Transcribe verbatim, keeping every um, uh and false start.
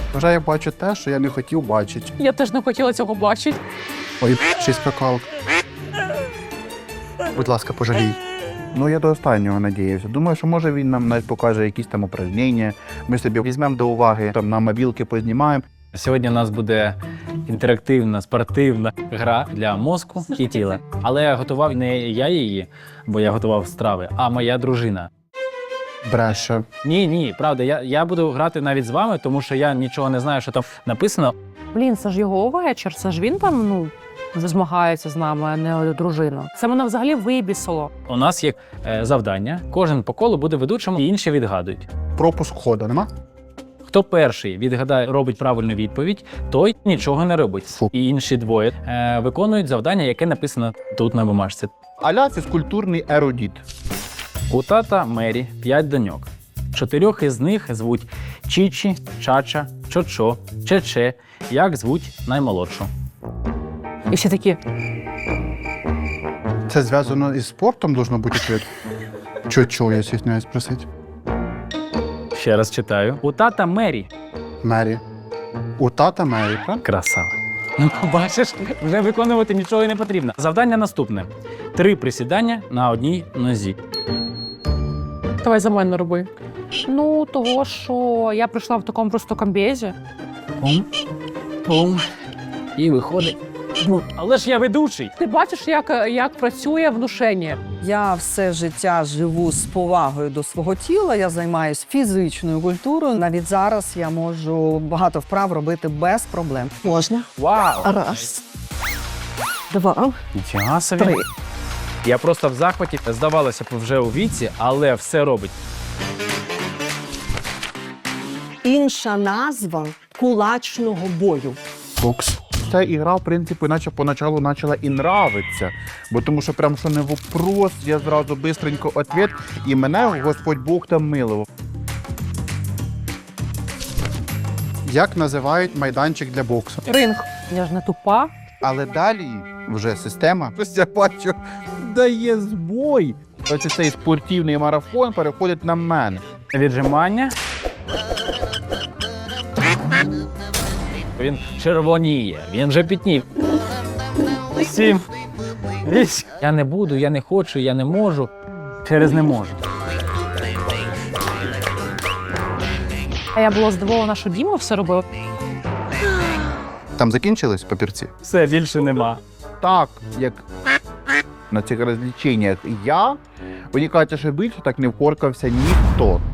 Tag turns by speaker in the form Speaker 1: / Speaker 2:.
Speaker 1: Вже я бачу те, що я не хотів бачити.
Speaker 2: Я теж не хотіла цього бачити.
Speaker 1: Ой, щось скакалка. Будь ласка, пожалій. Ну, я до останнього надіявся. Думаю, що може він нам навіть покаже якісь там упражнення. Ми собі візьмемо до уваги, там на мобілки познімаємо.
Speaker 3: Сьогодні у нас буде інтерактивна, спортивна гра для мозку і тіла. Але готував не я її, бо я готував страви, а моя дружина.
Speaker 1: Бреше.
Speaker 3: Ні, ні, правда, я, я буду грати навіть з вами, тому що я нічого не знаю, що там написано.
Speaker 2: Блін, це ж його вечір, це ж він там, ну, змагається з нами, а не дружина. Це мене взагалі вибісило.
Speaker 3: У нас є е, завдання, кожен по колу буде ведучим, і інші відгадують.
Speaker 1: Пропуск ходу нема?
Speaker 3: Хто перший відгадає, робить правильну відповідь, той нічого не робить.
Speaker 1: Фу.
Speaker 3: І інші двоє е, виконують завдання, яке написано тут на бумажці.
Speaker 1: Аля фізкультурний ерудіт.
Speaker 3: У тата Мері п'ять доньок. Чотирьох із них звуть Чічі, Чача, Чочо, Чече. Як звуть наймолодшу?
Speaker 2: І всі такі,
Speaker 1: Це зв'язано із спортом, должно бути ответ? Чо-чо, я стісняюсь спросити.
Speaker 3: Ще раз читаю. У тата Мері.
Speaker 1: Мері. У тата Мері, правда?
Speaker 3: Красава. Ну, бачиш, вже виконувати нічого і не потрібно. Завдання наступне. Три присідання на одній нозі.
Speaker 2: давай за мене роби. Ну, того, що я прийшла в такому просто комбезі.
Speaker 3: Пум, пум. І виходить. Ну, але ж я ведучий.
Speaker 2: Ти бачиш, як, як працює внушення?
Speaker 4: Я все життя живу з повагою до свого тіла, я займаюся фізичною культурою. Навіть зараз я можу багато вправ робити без проблем. Можна?
Speaker 3: Вау!
Speaker 4: Раз, два,
Speaker 3: Нічого собі.
Speaker 4: три.
Speaker 3: Я просто в захваті. Здавалося б, вже у віці, але все робить.
Speaker 4: Інша назва кулачного бою.
Speaker 1: Бокс. Ця ігра, в принципі, наче поначалу почала і нравиться. Бо тому що прям що не вопрос, я зразу бистренько відповідь, і мене Господь Бог там милував. Як називають майданчик для боксу?
Speaker 2: Ринг. Я ж не тупа.
Speaker 1: Але далі вже система, ось я бачу, дає збой. Ось цей спортивний марафон переходить на мене.
Speaker 3: Віджимання. Він червоніє, він вже пітнів. Сім. Вісім. Я не буду, я не хочу, я не можу. Через не можу.
Speaker 2: А я була здивована, що Діма все робив.
Speaker 1: Там закінчились папірці?
Speaker 3: Все, більше нема.
Speaker 1: Так, як на цих розліченнях я, мені кажуть, що більше так не вкоркався ніхто.